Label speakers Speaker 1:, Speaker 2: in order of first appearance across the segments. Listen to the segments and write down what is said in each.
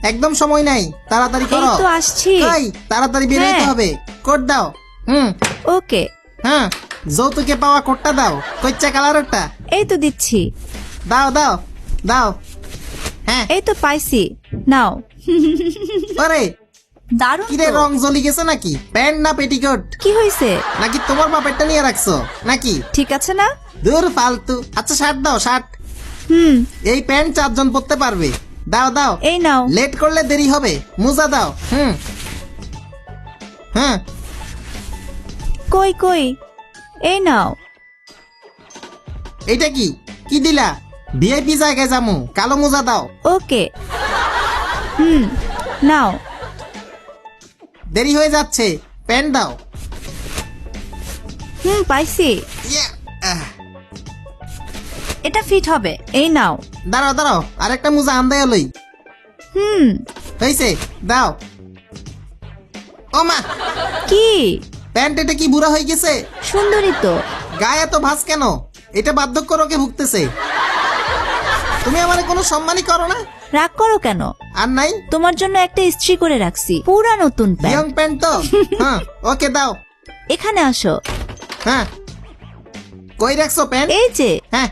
Speaker 1: একদম সময় নাই, তাড়াতাড়ি করো।
Speaker 2: এই তো আসছি।
Speaker 1: এই তাড়াতাড়ি বের হইতে
Speaker 2: হ্যাঁ।
Speaker 1: হবে। কোড দাও।
Speaker 2: ওকে,
Speaker 1: হ্যাঁ, যৌতুকে পাওয়া কোডটা দাও। কচ্চা কালারেরটা
Speaker 2: এই তো দিচ্ছি।
Speaker 1: দাও দাও দাও। হ্যাঁ,
Speaker 2: এই তো পাইছি, নাও।
Speaker 1: আরে
Speaker 2: দারুণ
Speaker 1: কিরে,
Speaker 2: তো।
Speaker 1: রং জ্বলি গেছে নাকি? প্যান্ট না পেটিকোট?
Speaker 2: কি হয়েছে?
Speaker 1: নাকি তোমার বাপেরটা নিয়ে রাখছো নাকি?
Speaker 2: ঠিক আছে না?
Speaker 1: দূর ফালতু। আচ্ছা শার্ট দাও, শার্ট। এই প্যান্ট 4 জন পরতে পারবে। দাও দাও।
Speaker 2: এই নাও।
Speaker 1: লেট করলে দেরি হবে। মোজা দাও। হ্যাঁ,
Speaker 2: কই কই, এই নাও।
Speaker 1: এইটা কি কি দিলা? ভিআইপি জায়গায় যামু। কালো মোজা দাও।
Speaker 2: ওকে, নাও।
Speaker 1: দেরি হয়ে যাচ্ছে, প্যান্ট দাও।
Speaker 2: পাইছি।
Speaker 1: ইয়া, আহ,
Speaker 2: এটা ফিট হবে, এই নাও।
Speaker 1: দাঁড়াও দাঁড়াও, আরেকটা মোজা আন্দায় লই। হয়েছে, দাও। ও মা,
Speaker 2: কি
Speaker 1: প্যান্ট এটা কি বুড়া হয়ে গেছে?
Speaker 2: সুন্দরী তো।
Speaker 1: গায়ে এত ভাঁজ কেন? এটা বার্ধক্য রোগে ভুগতেছে। তুমি আমারে কোনো সম্মানই করো না।
Speaker 2: রাগ করো কেন?
Speaker 1: আর নাই,
Speaker 2: তোমার জন্য একটা ইস্ত্রি করে রাখছি, পুরা নতুন
Speaker 1: ইয়ং
Speaker 2: প্যান্ট।
Speaker 1: প্যান্ট তো। হ্যাঁ, ওকে দাও।
Speaker 2: এখানে আসো।
Speaker 1: হ্যাঁ, কই রাখছো প্যান্ট?
Speaker 2: এই যে।
Speaker 1: হ্যাঁ,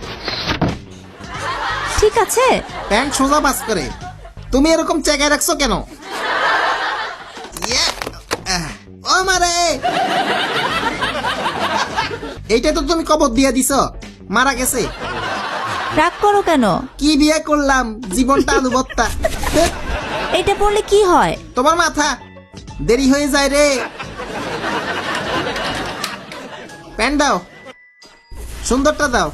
Speaker 2: ঠিক আছে।
Speaker 1: প্যান্ট সোজা বাস করে। তুমি এরকম চেকায় রাখছো কেন? ইয়া, ও মারে, এইটা তো তুমি কবর দিয়া দিছো, মারা গেছে।
Speaker 2: রাগ করো কেন?
Speaker 1: কি বিয়ে করলাম, জীবনটা আলু ভর্তা।
Speaker 2: এটা পড়লে কি হয়?
Speaker 1: তোমার মাথা, দেরি হয়ে যায় রে। প্যান্ট দাও, সুন্দরটা দাও।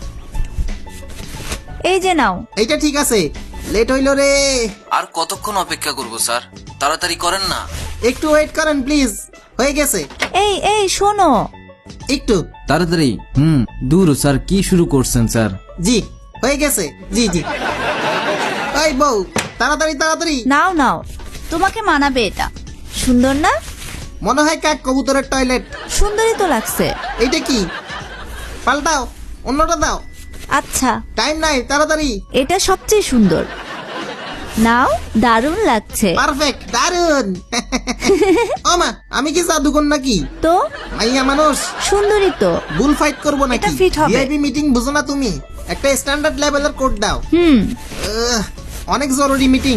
Speaker 2: এই যে নাও।
Speaker 1: এইটা ঠিক আছে, লেট হইল রে।
Speaker 3: আর কতক্ষণ অপেক্ষা করব স্যার? তাড়াতাড়ি করেন না।
Speaker 1: একটু ওয়েট করেন প্লিজ। হয়ে গেছে।
Speaker 2: এই এই শোনো।
Speaker 1: একটু।
Speaker 3: তাড়াতাড়ি। দূর স্যার, কি শুরু করছেন স্যার?
Speaker 1: জি, হয়ে গেছে। জি জি। ওই বউ, তাড়াতাড়ি তাড়াতাড়ি।
Speaker 2: নাও নাও, তোমাকে মানাবে এটা। সুন্দর না?
Speaker 1: মনে হয় কাক কবুতরের টয়লেট।
Speaker 2: সুন্দরই তো লাগছে।
Speaker 1: এইটা কি? পাল্টাও, অন্যটা দাও।
Speaker 2: আচ্ছা,
Speaker 1: টাইম নাই, তাড়াতাড়ি।
Speaker 2: এটা সবচেয়ে সুন্দর। নাও, দারুণ লাগছে
Speaker 1: পারফেক্ট, দারুন। ও মা, আমি কি জাদুকর নাকি?
Speaker 2: তো।
Speaker 1: মাইয়া মানুষ,
Speaker 2: সুন্দরী তো।
Speaker 1: বুল ফাইট করবো নাকি?
Speaker 2: এটা fit হবে।
Speaker 1: ভিআইপি মিটিং বুঝো না তুমি? একটা স্ট্যান্ডার্ড লেভেলের কোড দাও। অনেক জরুরি মিটিং।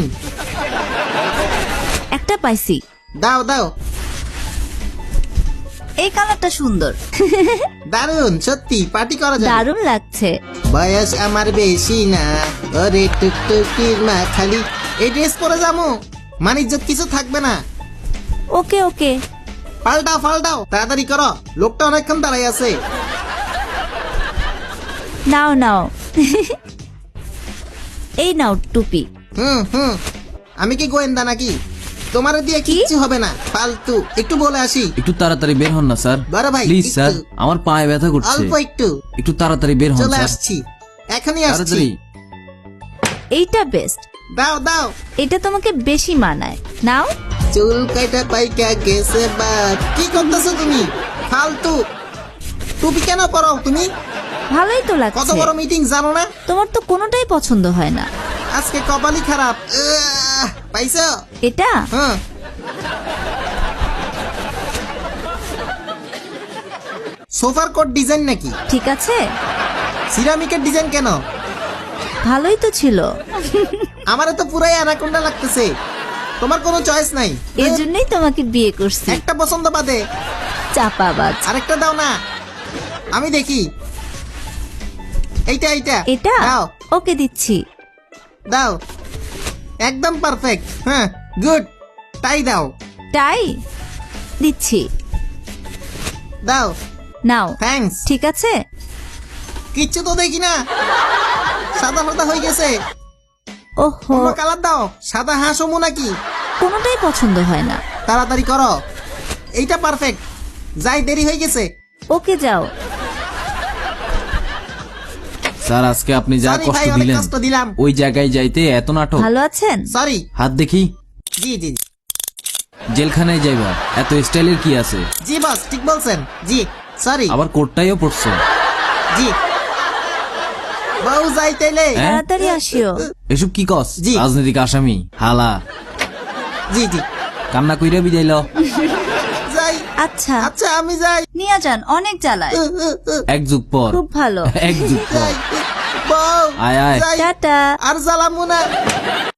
Speaker 2: একটা পাইছি।
Speaker 1: দাও দাও।
Speaker 2: এই কালারটা সুন্দর।
Speaker 1: দারুন, সত্যি পার্টি করা যায়।
Speaker 2: দারুণ লাগছে।
Speaker 1: বয়স আমার বেশি না, ওরে টুকটুকির মা খালি। এই ড্রেস পরে যাবো, মানিজ্জত কিছু থাকবে না।
Speaker 2: ওকে ওকে,
Speaker 1: পাল্টাও পাল্টাও, তাড়াতাড়ি করো, লোকটা অনেকক্ষণ দাঁড়াই আছে।
Speaker 2: নাও নাও। এই নাও টুপি।
Speaker 1: হুম, আমি কি গোয়েন্দা নাকি? তোমার দিয়ে কিচ্ছু হবে না, ফালতু। একটু বলে আসি।
Speaker 3: একটু তাড়াতাড়ি বের হন না স্যার।
Speaker 1: বড় ভাই,
Speaker 3: প্লিজ
Speaker 1: একটু।
Speaker 3: স্যার, আমার পায়ে ব্যথা করছে।
Speaker 1: অল্প একটু।
Speaker 3: একটু তাড়াতাড়ি বের হন
Speaker 1: চলে
Speaker 3: স্যার।
Speaker 1: আসছি, এখনই আসছি।
Speaker 3: তাড়াতাড়ি।
Speaker 2: এইটা বেস্ট।
Speaker 1: দাও দাও।
Speaker 2: এটা তোমাকে বেশি মানায়, নাও।
Speaker 1: চুল কাটা পাইকা গেছে বাদ। কি করতেছো তুমি? ফালতু। টুপি কেন পরাও তুমি?
Speaker 2: ভালোই তো
Speaker 1: কত
Speaker 2: লাগছে।
Speaker 1: বড় মিটিং জানো না?
Speaker 2: তোমার তো কোনোটাই পছন্দ হয় না।
Speaker 1: আজকে কপালই খারাপ। পাইছো?
Speaker 2: এটা
Speaker 1: হ্যাঁ, সোফার কোট ডিজাইন নাকি?
Speaker 2: ঠিক আছে,
Speaker 1: সিরামিকের ডিজাইন কেন?
Speaker 2: ভালোই তো ছিল।
Speaker 1: আমারে তো পুরাই অ্যানাকোন্ডা লাগতেছে। তোমার কোনো চয়েস নাই?
Speaker 2: এই জন্যই তোমাকে বিয়ে করছি।
Speaker 1: একটা পছন্দ বাদে
Speaker 2: চাপাবাজ।
Speaker 1: আরেকটা দাও না, আমি দেখি। এইটা এইটা
Speaker 2: এটা
Speaker 1: দাও
Speaker 2: ওকে দিচ্ছি।
Speaker 1: দাও। একদম পারফেক্ট। হ্যাঁ, গুড। তাই দাও
Speaker 2: টাই দিচ্ছি।
Speaker 1: দাও।
Speaker 2: নাও।
Speaker 1: থ্যাঙ্কস।
Speaker 2: ঠিক আছে।
Speaker 1: কিচ্ছু তো দেখি না, সাদা সাদা হয়ে গেছে।
Speaker 2: ওহো,
Speaker 1: অন্য কালার দাও। সাদা হাঁস হমু নাকি?
Speaker 2: কোনোটাই পছন্দ হয় না।
Speaker 1: তাড়াতাড়ি করো, এইটা পারফেক্ট। যাই, দেরি হয়ে গেছে।
Speaker 2: ওকে যাও।
Speaker 3: স্যার, আজকে আপনি যা
Speaker 1: Sorry
Speaker 3: কষ্ট
Speaker 1: ভাই, অনেক
Speaker 3: দিলেন,
Speaker 1: কষ্ট দিলাম।
Speaker 3: ওই জায়গায় যাইতে এত নাটক।
Speaker 2: ভালো আছেন?
Speaker 1: সরি।
Speaker 3: হাত দেখি।
Speaker 1: জি জি
Speaker 3: জেলখানায় যাইবা, এত স্টাইলের কি আছে?
Speaker 1: জি বস, ঠিক বলছেন। জি সরি।
Speaker 3: আবার কোটটাইও পড়ছো।
Speaker 1: জি বউ, যাই তাইলে।
Speaker 3: হ্যাঁ?
Speaker 2: তাড়াতাড়ি আসিও।
Speaker 3: এসব কি কস?
Speaker 1: জি।
Speaker 3: রাজনৈতিক আসামি হালা।
Speaker 1: জি জি
Speaker 4: কান্না কইরা বিদাইল।
Speaker 1: যাই।
Speaker 2: আচ্ছা
Speaker 1: আচ্ছা আমি যাই।
Speaker 2: নিয়ে যান, অনেক জ্বালায়।
Speaker 4: এক যুগ পর,
Speaker 2: খুব ভালো।
Speaker 4: এক যুগ পর।
Speaker 1: যাই। বউ
Speaker 4: আয় আয়।
Speaker 1: যাই।
Speaker 2: টাটা।
Speaker 1: আর জ্বালামু না।